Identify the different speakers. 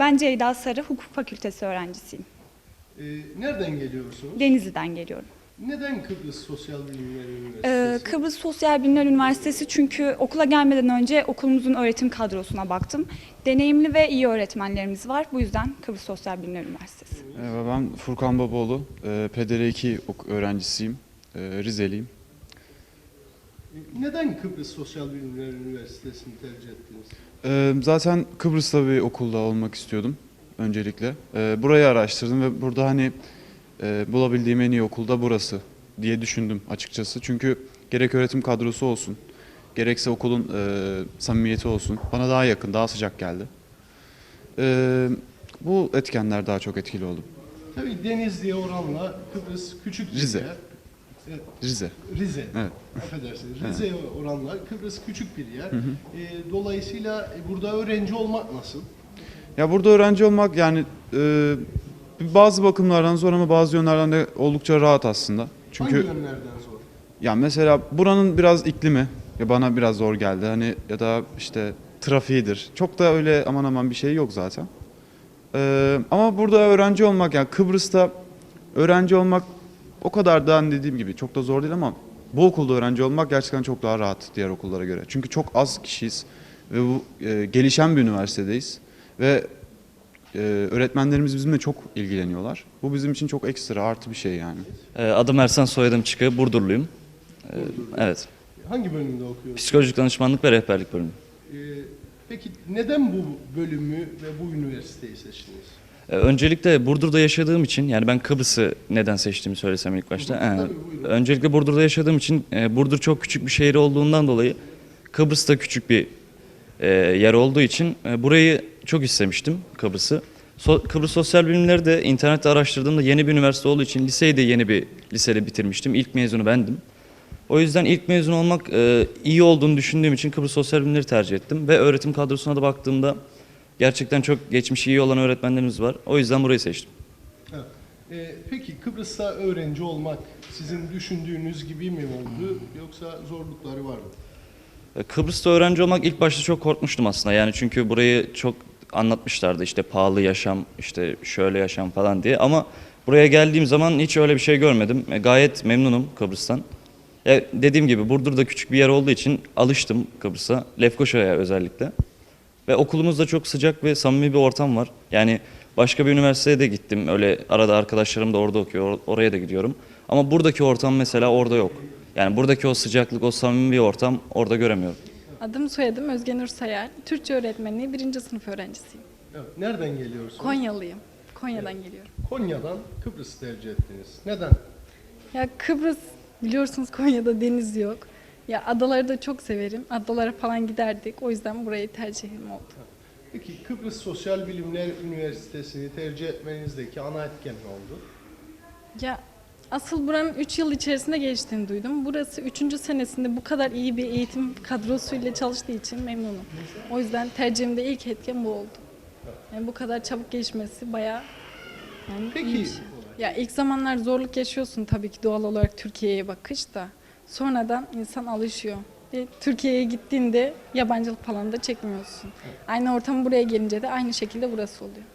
Speaker 1: Ben Ceyda Sarı, Hukuk Fakültesi öğrencisiyim.
Speaker 2: Nereden geliyorsunuz?
Speaker 1: Denizli'den geliyorum.
Speaker 2: Neden Kıbrıs Sosyal Bilimler Üniversitesi?
Speaker 1: Kıbrıs Sosyal Bilimler Üniversitesi çünkü okula gelmeden önce okulumuzun öğretim kadrosuna baktım. Deneyimli ve iyi öğretmenlerimiz var. Bu yüzden Kıbrıs Sosyal Bilimler Üniversitesi.
Speaker 3: Ben Furkan Babaoğlu, PDR2 öğrencisiyim, Rizeliyim.
Speaker 2: Neden Kıbrıs Sosyal Bilimler Üniversitesi'ni tercih ettiniz?
Speaker 3: Zaten Kıbrıs'ta bir okulda olmak istiyordum öncelikle. Burayı araştırdım ve burada hani bulabildiğim en iyi okulda burası diye düşündüm açıkçası. Çünkü gerek öğretim kadrosu olsun, gerekse okulun samimiyeti olsun bana daha yakın, daha sıcak geldi. Bu etkenler daha çok etkili oldu.
Speaker 2: Tabii Denizli'ye oranla Kıbrıs küçük bir
Speaker 3: Rize.
Speaker 2: yer.
Speaker 3: Rize.
Speaker 2: Rize.
Speaker 3: Evet.
Speaker 2: Affedersiniz. Rize'ye oranla Kıbrıs küçük bir yer. Dolayısıyla burada öğrenci olmak nasıl?
Speaker 3: Ya burada öğrenci olmak yani bazı bakımlardan zor ama bazı yönlerden de oldukça rahat aslında. Çünkü
Speaker 2: Hangi yönlerden zor?
Speaker 3: ya mesela buranın biraz iklimi ya bana biraz zor geldi. Hani ya da işte trafiğidir. Çok da öyle aman aman bir şey yok zaten. Ama burada öğrenci olmak yani Kıbrıs'ta öğrenci olmak o kadar da hani dediğim gibi çok da zor değil ama bu okulda öğrenci olmak gerçekten çok daha rahat diğer okullara göre. Çünkü çok az kişiyiz ve bu gelişen bir üniversitedeyiz ve öğretmenlerimiz bizimle çok ilgileniyorlar. Bu bizim için çok ekstra artı bir şey yani.
Speaker 4: Adım Ersan, soyadım Çıkı, Burdurluyum. Evet.
Speaker 2: Hangi bölümde okuyorsunuz?
Speaker 4: Psikolojik danışmanlık ve rehberlik bölümü.
Speaker 2: Peki neden bu bölümü ve bu üniversiteyi seçtiniz?
Speaker 4: Öncelikle Burdur'da yaşadığım için, yani ben Kıbrıs'ı neden seçtiğimi söylesem ilk başta.
Speaker 2: Tabii, buyurun.
Speaker 4: Öncelikle Burdur'da yaşadığım için, Burdur çok küçük bir şehir olduğundan dolayı Kıbrıs da küçük bir yer olduğu için burayı çok istemiştim, Kıbrıs'ı. Kıbrıs Sosyal Bilimleri de internette araştırdığımda yeni bir üniversite olduğu için liseyi de yeni bir lisede bitirmiştim. İlk mezunu bendim. O yüzden ilk mezun olmak iyi olduğunu düşündüğüm için Kıbrıs Sosyal Bilimleri tercih ettim. Ve öğretim kadrosuna da baktığımda gerçekten çok geçmişi iyi olan öğretmenlerimiz var. O yüzden burayı seçtim.
Speaker 2: Peki Kıbrıs'ta öğrenci olmak sizin düşündüğünüz gibi mi oldu yoksa zorlukları var mı?
Speaker 4: Kıbrıs'ta öğrenci olmak ilk başta çok korkmuştum aslında. Yani çünkü burayı çok anlatmışlardı, işte pahalı yaşam, işte şöyle yaşam falan diye. Ama buraya geldiğim zaman hiç öyle bir şey görmedim. Gayet memnunum Kıbrıs'tan. Dediğim gibi Burdur'da küçük bir yer olduğu için alıştım Kıbrıs'a, Lefkoşa'ya özellikle. Ve okulumuzda çok sıcak ve samimi bir ortam var. Yani başka bir üniversiteye de gittim. Öyle arada arkadaşlarım da orada okuyor, oraya da gidiyorum. Ama buradaki ortam mesela orada yok. Yani buradaki o sıcaklık, o samimi bir ortam orada göremiyorum.
Speaker 5: Adım soyadım Özgenur Sayar. Türkçe öğretmenliği 1. sınıf öğrencisiyim.
Speaker 2: Evet, nereden geliyorsunuz?
Speaker 5: Konyalıyım. Konya'dan geliyorum.
Speaker 2: Konya'dan Kıbrıs'ı tercih ettiniz. Neden?
Speaker 5: Ya Kıbrıs, biliyorsunuz Konya'da deniz yok. Ya adaları da çok severim. Adalara falan giderdik. O yüzden burayı tercihim oldu.
Speaker 2: Peki Kıbrıs Sosyal Bilimler Üniversitesi'ni tercih etmenizdeki ana etken ne oldu?
Speaker 5: Ya asıl buranın 3 yıl içerisinde geçtiğini duydum. Burası 3. senesinde bu kadar iyi bir eğitim kadrosuyla çalıştığı için memnunum. O yüzden tercihimde ilk etken bu oldu. Yani bu kadar çabuk gelişmesi bayağı
Speaker 2: Peki,
Speaker 5: iyi bir şey. Ya ilk zamanlar zorluk yaşıyorsun tabii ki doğal olarak Türkiye'ye bakış da. Sonradan insan alışıyor. Ve Türkiye'ye gittiğinde yabancılık falan da çekmiyorsun. Aynı ortam buraya gelince de aynı şekilde burası oluyor.